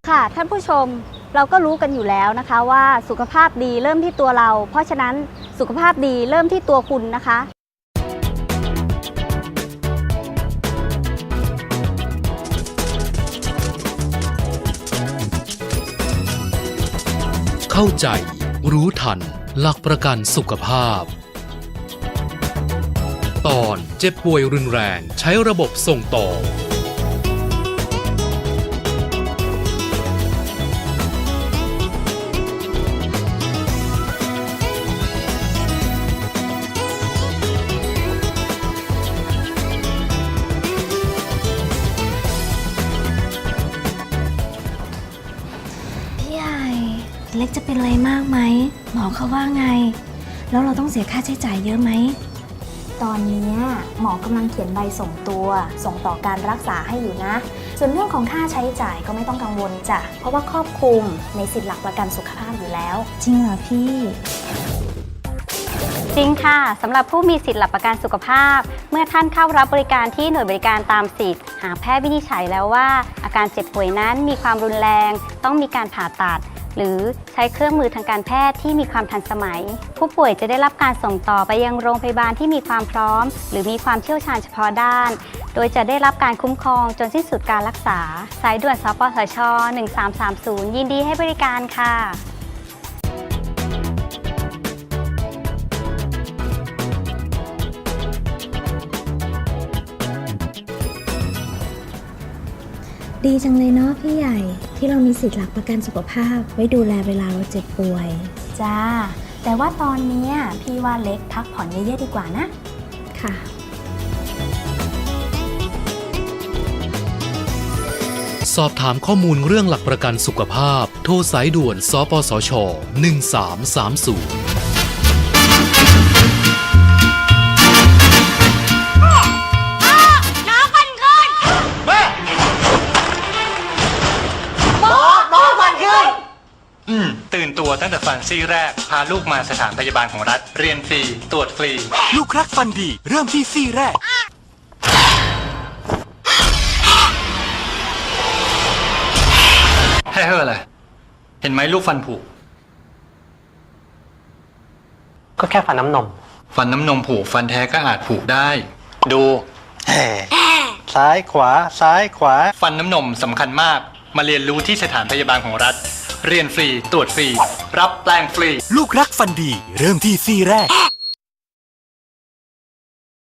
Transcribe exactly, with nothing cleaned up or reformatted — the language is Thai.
ค่ะท่านผู้ชมเราก็รู้กันอยู่แล้วนะคะว่าสุขภาพดีเริ่มที่ตัวเราเพราะฉะนั้นสุขภาพดีเริ่มที่ตัวคุณนะคะเข้าใจรู้ทันหลักประกันสุขภาพตอนเจ็บป่วยรุนแรงใช้ระบบส่งต่อเล็กจะเป็นอะไรมากไหมหมอเขาว่าไงแล้วเราต้องเสียค่าใช้จ่ายเยอะไหมตอนนี้หมอกำลังเขียนใบส่งตัวส่งต่อการรักษาให้อยู่นะส่วนเรื่องของค่าใช้จ่ายก็ไม่ต้องกังวลจ้ะเพราะว่าครอบคลุมในสิทธิหลักประกันสุขภาพอยู่แล้วจริงเหรอพี่จริงค่ะสำหรับผู้มีสิทธิหลักประกันสุขภาพเมื่อท่านเข้ารับบริการที่หน่วยบริการตามสิทธิ์หากแพทย์วินิจฉัยแล้วว่าอาการเจ็บป่วยนั้นมีความรุนแรงต้องมีการผ่าตัดหรือใช้เครื่องมือทางการแพทย์ที่มีความทันสมัยผู้ป่วยจะได้รับการส่งต่อไปยังโรงพยาบาลที่มีความพร้อมหรือมีความเชี่ยวชาญเฉพาะด้านโดยจะได้รับการคุ้มครองจนสิ้นสุดการรักษาสายด่วนสปสชหนึ่งสามสามศูนย์ยินดีให้บริการค่ะดีจังเลยเนาะพี่ใหญ่ที่เรามีสิทธิ์หลักประกันสุขภาพไว้ดูแลเวลาเราเจ็บป่วยจ้าแต่ว่าตอนนี้พี่ว่าเล็กพักผ่อนเยอะๆดีกว่านะค่ะสอบถามข้อมูลเรื่องหลักประกันสุขภาพโทรสายด่วนสปสชหนึ่งสามสามศูนย์ตื่นตัวตั้งแต่ฟันซี่แรกพาลูกมาสถานพยาบาลของรัฐเรียนฟรีตรวจฟรีลูกรักฟันดีเริ่มที่ซี่แรกให้เฮ้ออะไรเห็นไหมลูกฟันผุก็แค่ฟันน้ำนมฟันน้ำนมผุฟันแท้ก็อาจผุได้ดูซ้ายขวาซ้ายขวาฟันน้ำนมสำคัญมากมาเรียนรู้ที่สถานพยาบาลของรัฐเรียนฟรีตรวจฟรีรับแปลงฟรีลูกรักฟันดีเริ่มที่ซี่แรก